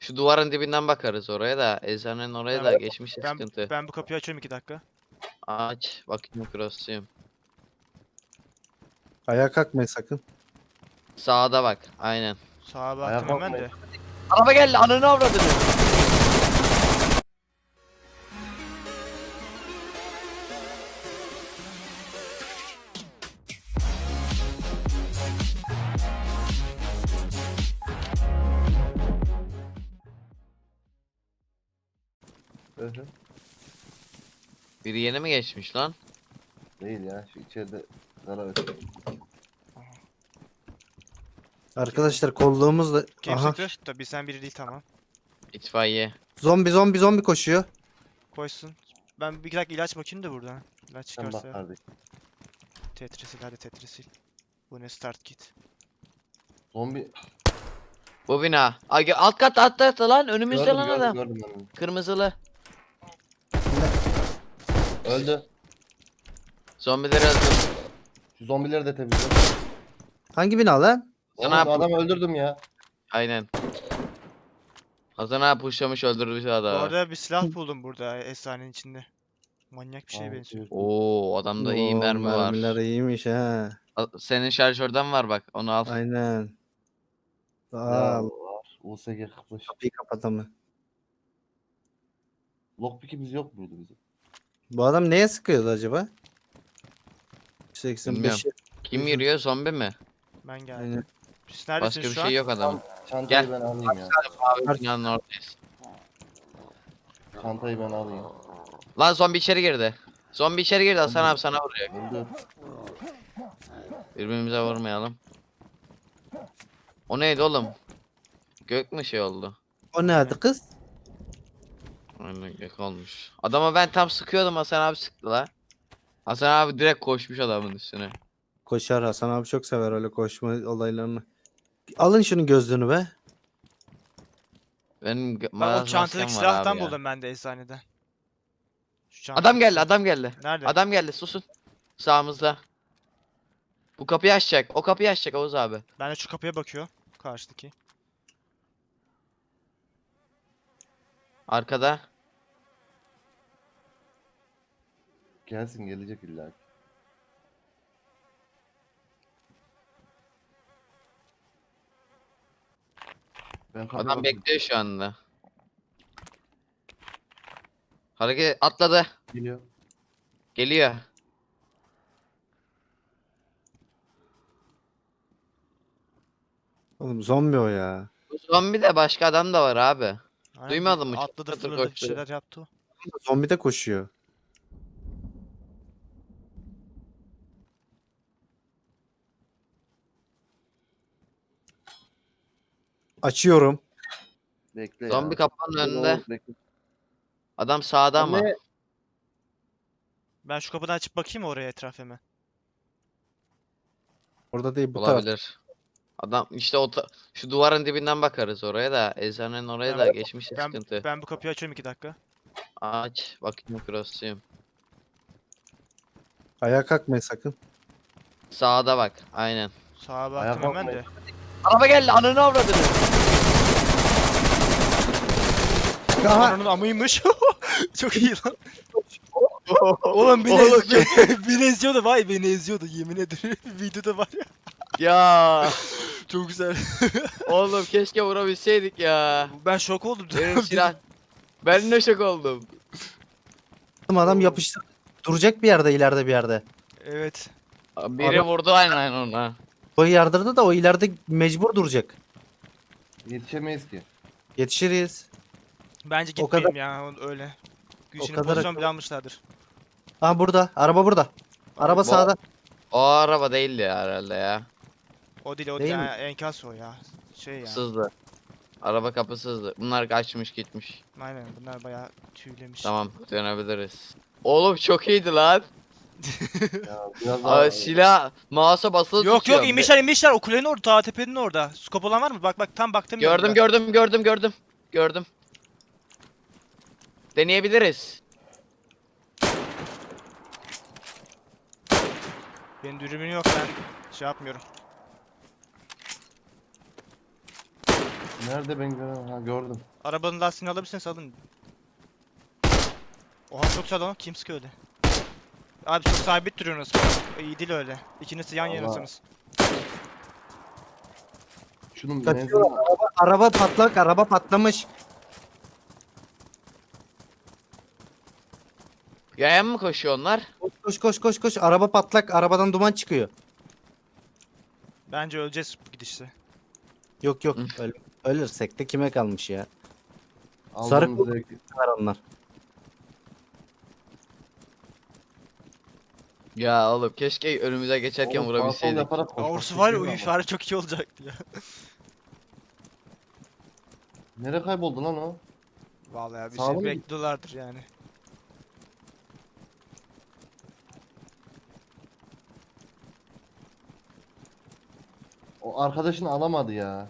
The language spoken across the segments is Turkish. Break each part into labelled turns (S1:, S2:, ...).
S1: Şu duvarın dibinden bakarız oraya da. Eczanenin oraya da geçmişse sıkıntı.
S2: Ben bu kapıyı açıyorum 2 dakika.
S1: Aç. Bakayım cross'uyum.
S3: Ayağa kalkmayın sakın.
S1: Sağda bak. Aynen.
S2: Sağa
S4: Ayağa
S2: baktım hemen
S4: kalkmayın.
S2: de.
S1: Araba geldi. Ananı avradını.
S4: Hı hı.
S1: Biri yeni mi geçmiş lan?
S4: Değil ya, şu içeride zarar ötüyor.
S3: Arkadaşlar kolluğumuzla...
S2: Kim
S3: Aha.
S2: sıktı? Tabii sen biri değil, tamam.
S1: İtfaiye.
S3: Zombi koşuyor.
S2: Koysun. Ben bir dakika ilaç bakayım da buradan. İlaç
S4: Sen bak
S2: çıkarsa.
S4: kardeşim.
S2: Tetrisil, hadi tetrisil. Bu ne, start kit.
S4: Zombi
S1: Bu bina. Ay, alt kat lan. Önümüzde
S4: gördüm
S1: lan adam.
S4: gördüm ben onu.
S1: Kırmızılı.
S4: Öldü.
S1: Zombileri öldür.
S4: Şu zombileri de temizle.
S3: Hangi bina lan?
S4: Oğlum
S1: Sana
S4: adamı öldürdüm ya.
S1: Aynen. Hasan abi pushlamış öldürmüş
S2: Bu
S1: adamı.
S2: arada bir silah buldum burada efsanenin içinde. Manyak bir şeye
S4: Aa,
S2: benziyor.
S1: Oo, adamda iyi
S3: Oo,
S1: mermi var.
S3: Mermiler iyiymiş ha.
S1: Senin şarjörden var bak. Onu al.
S3: Aynen.
S4: Ya
S3: Aa,
S4: var. USG 45.
S3: kapıyı kapatamı.
S4: Lockpick'imiz yok muydu bizim?
S3: Bu adam neye sıkıyordu acaba? 85.
S1: Bilmiyorum. Kim yürüyor? Zombi mi?
S2: Ben geldim.
S3: Aynen.
S2: Siz neredesiniz
S1: Başka bir
S2: şu
S1: şey
S2: an?
S1: yok adamın.
S4: Çantayı
S1: Gel.
S4: ben alayım ya.
S1: Mavi binanın oradayız.
S4: Çantayı ben alayım.
S1: Lan zombi içeri girdi. Zombi içeri girdi. Hasan abi sana vuruyor.
S4: Öldü.
S1: Birbirimize vurmayalım. O neydi oğlum? Gök mü şey oldu?
S3: O ne adı kız?
S1: Aynen gök olmuş. Adama ben tam sıkıyordum, Hasan abi sıktı la. Hasan abi direkt koşmuş adamın üstüne.
S3: Koşar, Hasan abi çok sever öyle koşma olaylarını. Alın şunun gözlüğünü be.
S1: Benim
S2: Bak o
S1: maskem
S2: çantadaki
S1: var
S2: silahtan
S1: abi ya.
S2: buldum ben de eczaneden. Şu
S1: Adam
S2: çantadaki
S1: geldi,
S2: silah.
S1: adam geldi.
S2: Nerede?
S1: Adam geldi, susun. Sağımızda. Bu kapıyı açacak. O kapıyı açacak Oğuz abi.
S2: Ben de şu kapıya bakıyor. Karşıdaki.
S1: Arkada.
S4: Gelsin gelecek illa ki. Ben kapıya
S1: Adam
S4: bakayım.
S1: bekliyor şu anda. Hareket atladı.
S4: Geliyor.
S1: Geliyor.
S3: Oğlum zombi o ya.
S1: Bu zombi de başka adam da var abi.
S2: Aynen,
S1: Duymadın mı?
S2: atladı,
S1: Çatır
S2: fırladı, bir
S1: koştu.
S2: şeyler yaptı o.
S3: Zombi de koşuyor. Açıyorum.
S4: Bekle ya.
S1: Zombi kapının
S4: Bekle,
S1: önünde.
S4: Oğuz, bekle.
S1: Adam sağda ama.
S4: Anne.
S2: Ben şu kapıdan açıp bakayım oraya etrafıma.
S3: Orada değil, bu tarafta.
S1: Olabilir. Adam işte şu duvarın dibinden bakarız oraya da. Eczanenin oraya da geçmişse sıkıntı.
S2: Ben bu kapıyı açıyorum 2 dakika.
S1: Aç. Bakayım cross'uyum.
S3: Ayağa kalkmayın sakın.
S1: Sağda bak. Aynen.
S2: Sağa
S4: Ayağa
S2: baktım hemen
S4: kalkmayın.
S2: de.
S1: Araba geldi. Ananı avradını.
S3: Aha.
S2: Onun amıymış. Çok iyi lan. Oğlum beni,
S1: Oğlum,
S2: beni eziyordu, vay beni eziyordu yemin ederim. Videoda var ya.
S1: Ya.
S2: Çok güzel.
S1: Oğlum keşke vurabilseydik ya.
S2: Ben şok oldum.
S1: Benim silah. Ben de şok oldum.
S3: Adam yapıştı. Duracak bir yerde, ileride bir yerde.
S2: Evet.
S1: Biri vurdu aynen ona.
S3: O yardırdı da o ileride mecbur duracak.
S4: Yetişemeyiz ki.
S3: Yetişiriz.
S2: Bence
S3: O kadar-
S2: gitmeyeyim ya öyle. Güçlü
S3: kadar
S2: pozisyon
S3: akıllı.
S2: bile almışlardır.
S3: Ha burada. Araba burada. Araba sağda.
S1: O araba değildi ya herhalde ya.
S2: O değil, o
S3: Değil
S2: değil.
S3: mi?
S2: Ha, enkaz o ya. Şey ya.
S1: Sızdı. Araba kapısızdı. Bunlar kaçmış gitmiş.
S2: Aynen, bunlar bayağı tüylemiş.
S1: Tamam dönebiliriz. Oğlum çok iyiydi lan.
S4: Ya biraz daha
S1: Silah mouse'a basılı
S2: Yok
S1: tutuyorum.
S2: yok, inmişler o kulenin orada, ta tepenin orada. Skop olan var mı? Bak tam baktım.
S1: Gördüm. Deneyebiliriz.
S2: Benim dürbünüm yok, ben şey yapmıyorum.
S4: Nerede ben görüyorum? Ha gördüm.
S2: Arabanın lastiğini alabilirseniz alın. Oha çok sağ lan. Kim sıkıyor öyle? Abi çok sabit duruyorsunuz. İyi değil öyle. İkiniz yan
S4: Allah.
S2: yanasınız.
S4: Şunun
S3: Kaçıyor.
S4: menzili
S3: Araba patlak, araba patlamış.
S1: Yayan mı koşuyor onlar?
S3: Koş koş koş koş koş. Araba patlak, arabadan duman çıkıyor.
S2: Bence öleceğiz bu gidişte.
S3: Yok yok. Ölürsek de kime kalmış ya? Sarı
S4: aldığımız zevki.
S3: Var onlar.
S1: Ya oğlum keşke önümüze geçerken
S4: Oğlum, sağ sol
S1: vurabilseydik.
S4: yaparak koşmak
S2: Orası var ya
S4: çok iyi
S2: uyuş
S4: ama.
S2: var çok iyi olacaktı ya.
S4: Nereye kayboldu lan o?
S2: Vallahi bir
S4: Sağlı
S2: şey
S4: mı?
S2: bekliyorlardır yani.
S4: O arkadaşını alamadı ya.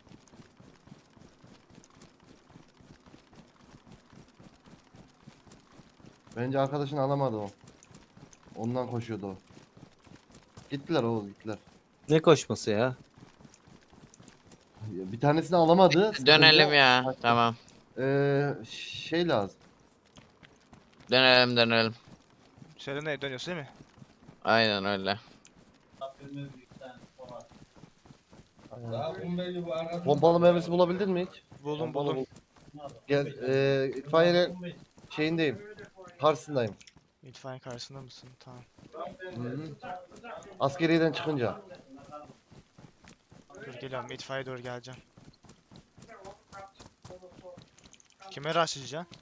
S4: Bence arkadaşını alamadı o. Ondan koşuyordu o. Gittiler Oğuz gittiler.
S3: Ne koşması ya?
S4: Ya, bir tanesini alamadı.
S1: Dönelim ya. Tamam.
S4: Şey lazım.
S1: Dönelim.
S2: Selena'ya dönüyorsun değil mi?
S1: Aynen öyle.
S4: Pompalı mermisi bulabildin mi hiç?
S2: Buldum
S4: Pompalı
S2: buldum.
S4: bul. Gel, itfaiyenin şeyindeyim. Karşısındayım.
S2: İtfaiye karşısında mısın? Tamam.
S4: Hı-hı. Askeriyeden çıkınca.
S2: Dur geliyorum. İtfaiye doğru geleceğim. Kime rushlayacaksın?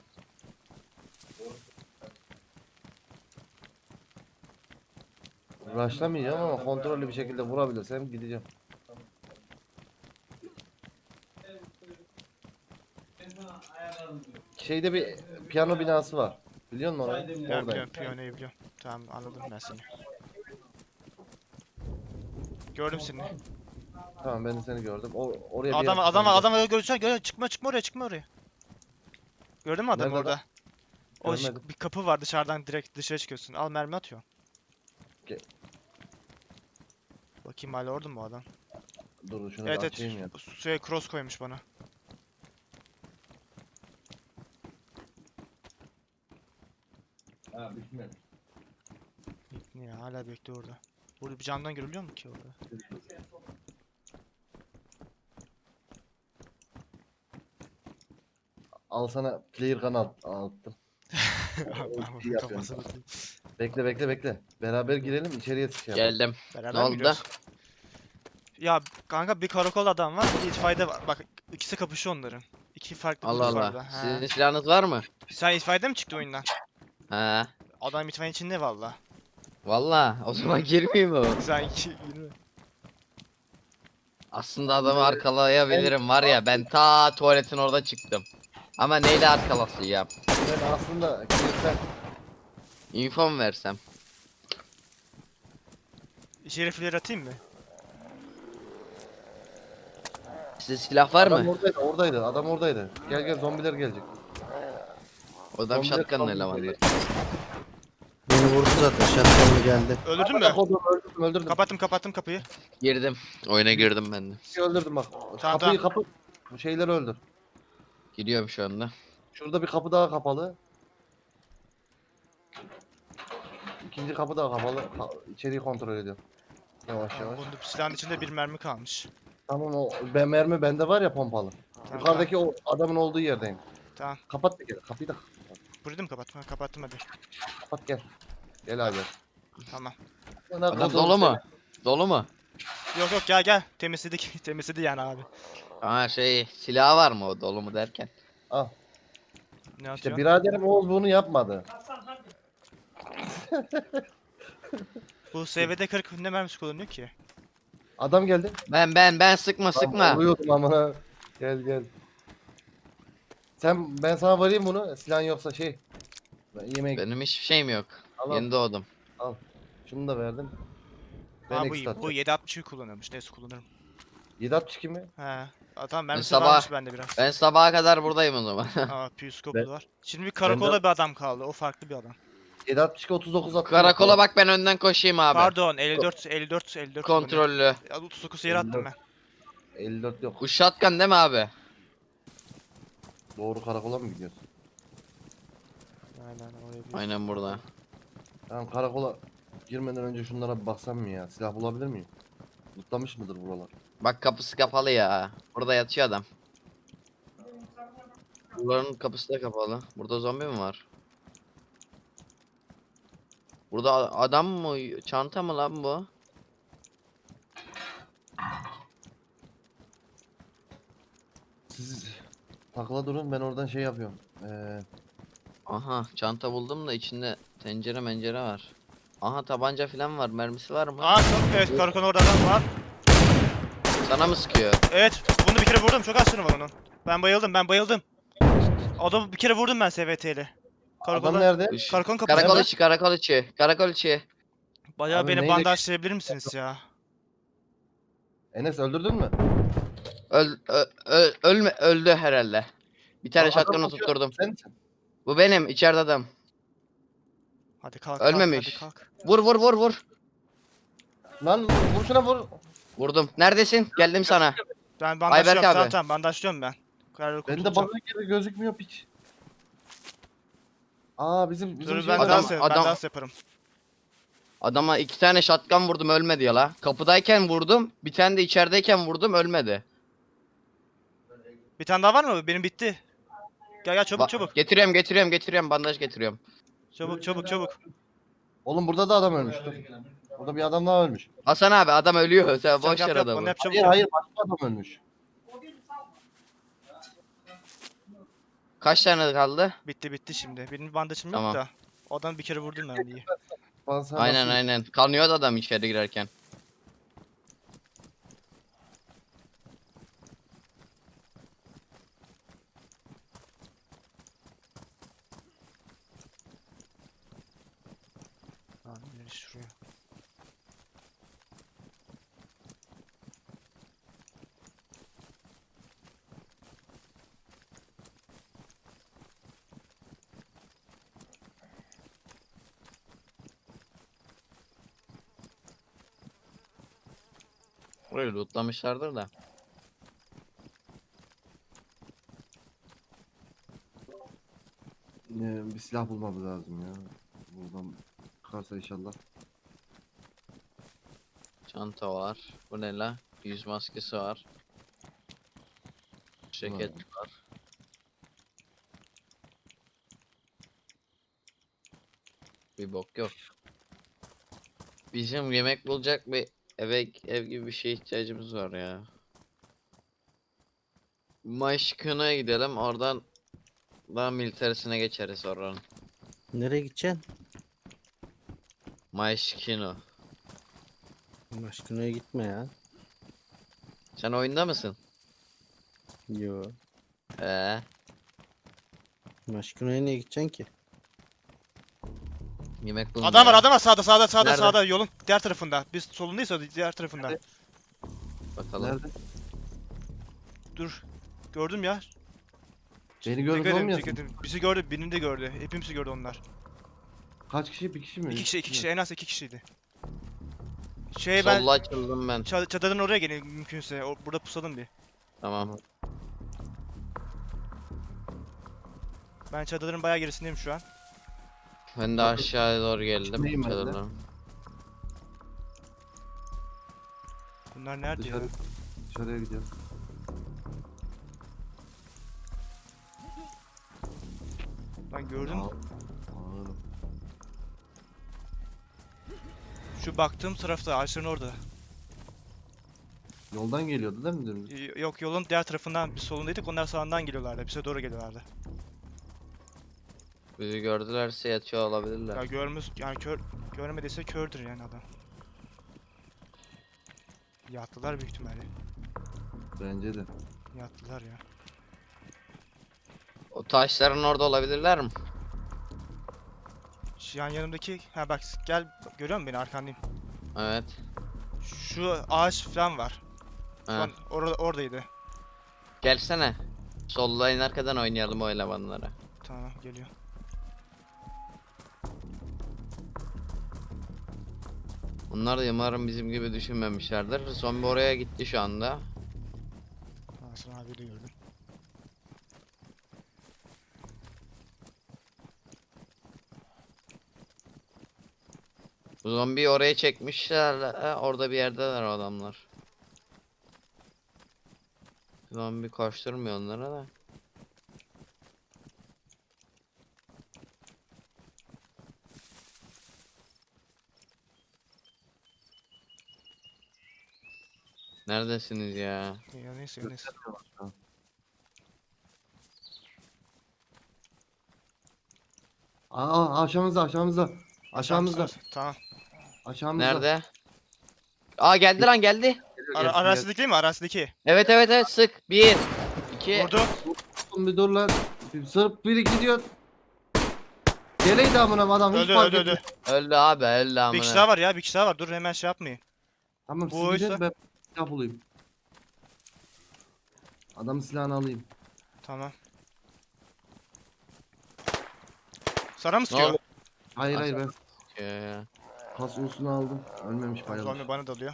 S4: Rushlamayacağım ama kontrollü bir şekilde vurabilirsem gideceğim. Şeyde bir piyano binası var. Biliyor musun orayı?
S2: Ben
S4: Oradayım.
S2: biliyorum. Piyanoyu biliyorum. Tamam anladım ben seni. Gördüm seni.
S4: Tamam ben de seni gördüm. Oraya bir
S2: Adam
S4: yer-
S2: adam göreceksin. Çıkma çıkma oraya. Gördün mü adamı
S4: Nerede
S2: orada? O
S4: Görmedim.
S2: bir kapı var dışarıdan direkt dışarı çıkıyorsun. Al mermi atıyor. Bakayım hala orada mı o adam?
S4: Dur şunu
S2: Evet
S4: bir
S2: evet.
S4: açayım ya.
S2: Suya cross koymuş bana.
S4: Ha bitmedi.
S2: Niye hala bekliyor orada. Burada bir camdan görülüyor mu ki orada?
S4: Al sana player gun attım. iyi yapıyorsun.
S2: Kafasını atayım.
S4: Bekle. Beraber girelim içeriye şey yapalım.
S1: Geldim.
S2: Beraber
S1: Ne
S2: mi
S1: oldu
S2: giriyoruz? Ya kanka bir karakol adam var, bir itfaiyede var. Bak ikisi kapışıyor onların. İki farklı
S1: Allah
S2: grup var
S1: Allah.
S2: orada. He.
S1: Sizin silahınız var mı?
S2: Sen itfaiyede mi çıktı oyundan?
S1: Ha.
S2: Adam itfaiyenin içinde valla.
S1: Valla o zaman girmeyeyim mi?
S2: Sen 20.
S1: Aslında adamı arkalayabilirim var ya, ben ta tuvaletin orada çıktım. Ama neyle arkalasıyım?
S4: Ben aslında girsen
S1: Info mu versem?
S2: Şerifleri atayım mı?
S1: Sizde silah var
S4: adam
S1: mı?
S4: oradaydı. Adam oradaydı. Gel zombiler gelecek.
S1: O adam
S4: Zombiler
S1: shotgun'la
S4: kaldı
S1: elemandır.
S4: içeriye.
S3: Beni vurdu zaten. Şartlarına geldi.
S2: Öldürdün mü?
S4: Öldürdüm.
S2: Kapattım kapıyı.
S1: Girdim. Oyuna girdim ben de.
S4: Öldürdüm bak.
S2: Tamam,
S4: Kapı. Bu şeyleri öldür.
S1: Gidiyorum şu anda.
S4: Şurada bir kapı daha kapalı. İkinci kapı daha kapalı. İçeriği kontrol ediyorum. Yavaş yavaş.
S2: Bunda silahın içinde bir mermi kalmış.
S4: Tamam o mermi bende var ya pompalı.
S2: Tamam,
S4: Yukarıdaki o adamın olduğu yerdeyim.
S2: Tamam.
S4: Kapat da gel. Kapıyı da
S2: Burayı mı kapattım? Ha, kapattım hadi.
S4: kapat gel. Gel abi.
S2: Tamam.
S1: Adam dolu mu? Dolu mu?
S2: Yok gel. Temizledik. Temizledi yani abi.
S1: Aa silah var mı o dolu mu derken?
S4: Al.
S2: Ne
S4: İşte
S2: atıyor?
S4: biraderim Oğuz bunu yapmadı.
S2: Bu SVD 40 ne mermisi kullanıyor ki?
S4: Adam geldi.
S1: Ben sıkma.
S4: Vuruyordum amına. Gel. Ben sana varayım bunu. Silahın yoksa Ben yemeğe
S1: Benim hiçbir şeyim yok.
S4: Al, al.
S1: Yeni doğdum.
S4: Şunu da verdim. Ben
S2: Ha
S4: ekstra
S2: bu 7.62 kullanıyormuş. Neyse kullanırım.
S4: 762 mi?
S2: He. Tamam mermisi
S1: sabah-
S2: varmış bende biraz.
S1: Ben sabaha kadar buradayım o zaman.
S2: Aa püskoplu
S4: Ben-
S2: var. Şimdi bir karakolda bir adam kaldı. O farklı bir adam.
S4: 762 39 attım.
S1: Karakola bak, ben önden koşayım abi.
S2: Pardon 54
S1: Kontrollü.
S2: kullanıyor. 39 yere attım ben.
S4: 54 yok.
S1: Bu shotgun değil mi abi?
S4: Doğru karakola mı gidiyorsun?
S2: Aynen oraya bir.
S1: Aynen burada.
S4: Tamam, karakola girmeden önce şunlara bir baksam mı ya? Silah bulabilir miyim? Mutlamış mıdır buralar?
S1: Bak kapısı kapalı ya. Burada yatıyor adam. Bunların kapısı da kapalı. Burada zombi mi var? Burada adam mı? Çanta mı lan bu?
S4: Siz takla durun, ben oradan şey yapıyorum.
S1: Aha çanta buldum da içinde tencere mencere var. Aha tabanca falan var. Mermisi var mı?
S2: Evet, karakolun orada adam var.
S1: Sana mı sıkıyor?
S2: Evet, bunu bir kere vurdum. Çok az canı var onun. Ben bayıldım. Adamı bir kere vurdum ben SVT'yle.
S4: Adam
S2: Karakolda,
S4: nerede?
S2: karakolun kapısında.
S1: Karakol içi.
S2: Bayağı
S4: Abi
S2: beni
S4: neyle-
S2: bandajlayabilir misiniz ya?
S4: Enes öldürdün mü?
S1: Öldü herhalde. Bir tane
S4: Adam
S1: şatkanı
S4: bakıyor,
S1: tutturdum.
S4: Sen misin?
S1: Bu benim içeride adam.
S2: Hadi kalk,
S1: Ölmemiş.
S2: hadi kalk.
S1: Vur.
S4: Lan vur şuna vur.
S1: Vurdum. Neredesin? Geldim sana.
S2: Ben
S1: Ayberk
S2: bandajlıyorum,
S1: abi.
S2: tamam bandajlıyorum ben. Karakol
S4: Bende
S2: tutacağım.
S4: bana gibi gözükmüyor piç. Aa bizim
S2: Dur
S4: şey
S2: ben
S4: var.
S1: Adam-
S2: dans yaparım.
S1: Adama 2 tane şatkan vurdum ölmedi ya la. Kapıdayken vurdum. Bir tane de içerideyken vurdum ölmedi.
S2: Bir tane daha var mı? Benim bitti. Gel çabuk.
S1: Getiriyorum bandaj getiriyorum.
S2: Çabuk.
S4: Oğlum burada da adam ölmüş. Dur. Burada bir adam daha ölmüş.
S1: Hasan abi adam ölüyor. Sen boş
S2: Yap,
S1: ver
S2: yap,
S1: adamı.
S2: onu yap, çabuk.
S4: Hayır başka adam ölmüş.
S1: Kaç tane kaldı?
S2: Bitti şimdi. Benim bandajım
S1: Tamam.
S2: yok da. O adamı bir kere vurdum ben iyi.
S4: Bana sana
S1: Aynen
S4: nasıl-
S1: aynen. Kanıyordu adam içeri girerken.
S2: Lan nereye şuraya.
S1: Burayı lootlamışlardır da.
S4: Bir silah bulmamız lazım ya. Buradan çıkarsa inşallah.
S1: Çanta var. Bu ne la? Yüz maskesi var. Ceket var. Bir bok yok. Bizim yemek bulacak bir ev gibi bir şeye ihtiyacımız var ya. Maşkın'a gidelim oradan daha militerisine geçeriz oranın.
S3: Nereye gideceksin?
S1: Maşkino.
S3: Aşkına gitme ya.
S1: Sen oyunda mısın?
S3: Yo.
S1: Ee,
S3: Aşkına niye gideceksin ki?
S1: yemek bulmaya.
S2: Adam var sağda
S1: Nerede?
S2: sağda yolun diğer tarafında. Biz solundayız o diğer tarafında.
S1: Bakalım.
S4: Nerede?
S2: Dur. Gördüm ya.
S4: Beni görmüş
S2: Dikkat edin,
S4: olmayasın.
S2: dikkat edin. Bizi gördü, birini de gördü. Hepimizi gördü onlar.
S4: Kaç kişi? Bir kişi mi?
S2: İki kişi, en az 2 kişiydi. Ben
S1: Solla açıldım ben.
S2: çadırın oraya gelin mümkünse. Burada pusalım bir.
S1: Tamam.
S2: Ben çadırın bayağı gerisindeyim şu an.
S1: Ben de aşağıya doğru geldim.
S4: İçindeyim ben de.
S1: Çadırdan.
S2: Bunlar nerede ya?
S4: Dışarıya gidiyoruz.
S2: Lan gördün mü?
S4: Ağırım.
S2: Şu baktığım tarafta, ağaçların orada.
S4: Yoldan geliyordu değil mi dümdüz?
S2: Yok yolun diğer tarafından biz solundaydık. Onlar sağından geliyorlardı. Bize doğru geliyorlardı.
S1: Bizi gördülerse yatıyor olabilirler.
S2: Ya yani görmediyse kördür yani adam. Yattılar büyük ihtimalle.
S4: Bence de.
S2: Yattılar ya.
S1: O taşların orada olabilirler mi?
S2: Şu yan yanımdaki, ha bak gel, görüyor musun beni, arkandayım.
S1: Evet.
S2: Şu ağaç falan var. Şu
S1: Ha.
S2: an oradaydı.
S1: Gelsene. Sollayın arkadan oynayalım o elemanlara.
S2: Tamam geliyor.
S1: Bunlar da umarım bizim gibi düşünmemişlerdir. Zombi oraya gitti şu anda.
S2: Hasan abi de gördüm.
S1: Bu zombiyi oraya çekmişler. Orada bir yerdeler o adamlar. Zombi koşturmuyor onlara da. Neredesiniz ya?
S2: Ya neyse neyse.
S4: Aşağımızda aşağımızda. Aşağımızda.
S2: Tamam.
S4: Aşağımızda.
S1: Nerede? Aa geldi lan geldi.
S4: Geliyor, gelsin,
S2: Arasideki değil mi? Arasideki.
S1: Evet evet evet sık. 1 2
S2: Vurdu.
S4: gelsin. Bir dur lan. Sırf biri gidiyor. Geleydi amına adam hiç
S2: Öldü
S4: fark
S2: öldü
S4: etmedi.
S2: öldü.
S1: öldü abi öldü
S2: Bir kişi
S1: amına.
S2: daha var ya, bir kişi daha var. Dur hemen şey yapmayın.
S4: Tamam
S2: Bu
S4: siz gidin
S2: oysa-
S4: ben silah bulayım. Adamın silahını alayım.
S2: Tamam. Sana mı
S1: Ne
S2: sıkıyor?
S1: oldu?
S4: Hayır
S1: Nasıl?
S4: hayır ben
S1: Ya.
S4: kas ulusunu aldım. Ölmemiş
S2: Zombi
S4: bayılmış.
S2: bana dalıyor.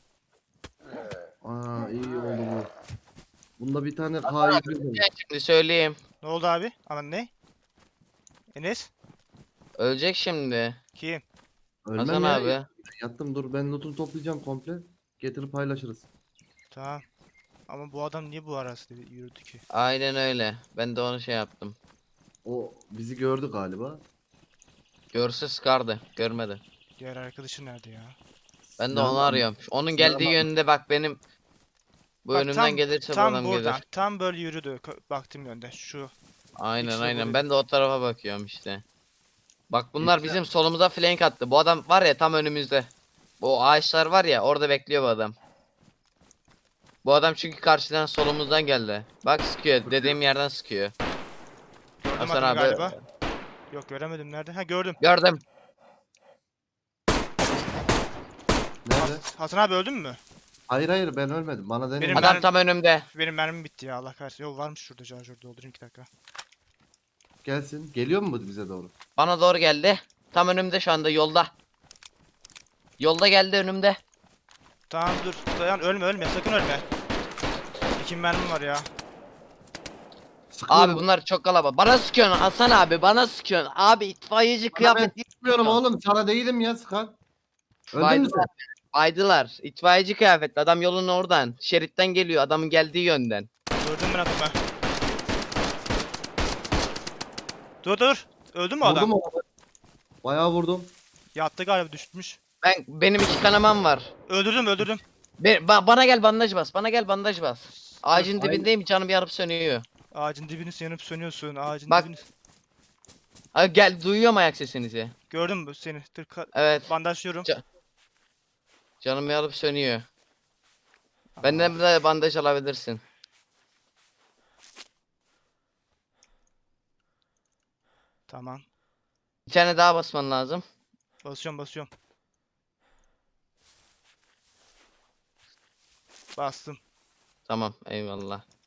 S4: Aa iyi oldu bu. Bunda bir tane K100 var.
S1: Ben şimdi söyleyeyim.
S2: Ne oldu abi? Aman ne? Enes?
S1: Ölecek şimdi.
S2: Kim?
S4: Ölmem
S1: Hasan
S4: ya.
S1: abi.
S4: Yattım dur ben lootunu toplayacağım komple. Getirip paylaşırız.
S2: Tamam. Ama bu adam niye bu arası yürüdü ki?
S1: Aynen öyle. Ben de onu şey yaptım.
S4: O bizi gördü galiba.
S1: Görse sıkardı. Görmedi.
S2: Diğer arkadaşı nerede ya?
S1: Ben de
S4: Silahını
S1: onu
S4: al-
S1: arıyorum. Onun
S4: silahını
S1: geldiği
S4: al-
S1: yönde bak benim. Bu
S2: Bak,
S1: önümden gelirse bu
S2: tam
S1: adam
S2: buradan.
S1: gelir.
S2: Tam böyle yürüdü. Baktığım yönde. Şu.
S1: Aynen
S2: İkisi de
S1: aynen.
S2: buraya.
S1: Ben de o tarafa bakıyorum işte. Bak bunlar
S4: İkisi de-
S1: bizim solumuza flank attı. Bu adam var ya tam önümüzde. Bu ağaçlar var ya orada bekliyor bu adam. Bu adam çünkü karşıdan solumuzdan geldi. Bak sıkıyor. Dediğim yerden sıkıyor.
S2: Gördüm
S1: Hasan
S2: adamı
S1: abi.
S2: galiba. Yok göremedim nerede? Ha gördüm.
S1: Gördüm.
S4: Nerede?
S2: Hasan abi öldün mü?
S4: Hayır hayır ben ölmedim. Bana deneyin.
S2: Benim
S1: Adam
S2: ben-
S1: tam önümde.
S2: Benim mermim bitti ya Allah kahretsin. Yok varmış şurada şarjör doldurayım 2 dakika.
S4: Gelsin. Geliyor mu bu bize doğru?
S1: Bana doğru geldi. Tam önümde şu anda yolda. Yolda geldi önümde.
S2: Tamam dur. Dayan ölme sakın ölme. 2 mermim var ya.
S4: Sıkıyorum.
S1: Abi bunlar çok kalabalık. Bana sıkıyorsun Hasan abi. Bana sıkıyorsun. Abi itfaiyeci kıyafet.
S4: Sıkmıyorum oğlum. Sana değilim ya sıkan. Öldün mü sen?
S1: Baydılar. Baydılar. İtfaiyeci kıyafetli. Adam yolun oradan. Şeritten geliyor. Adamın geldiği yönden.
S2: Gördün mü adamı? Dur. Öldü mü adam?
S4: Vurdum onu. Bayağı vurdum.
S2: Yattı galiba düşmüş.
S1: Benim 2 kanamam var.
S2: Öldürdüm.
S1: Bana gel bandaj bas. Bana gel bandaj bas. Ağacın
S4: Hayır.
S1: dibindeyim. Canım yarıp sönüyor.
S2: Ağacın dibini yanıp sönüyorsun. Ağacın
S1: Bak.
S2: dibini.
S1: Abi gel duyuyorum ayak sesinizi.
S2: Gördün mü seni? Dur
S1: Evet.
S2: bandajlıyorum.
S1: Canım yarıp sönüyor. Benden de bandaj alabilirsin.
S2: Tamam.
S1: Bir tane daha basman lazım.
S2: Basıyorum. Bastım.
S1: Tamam eyvallah.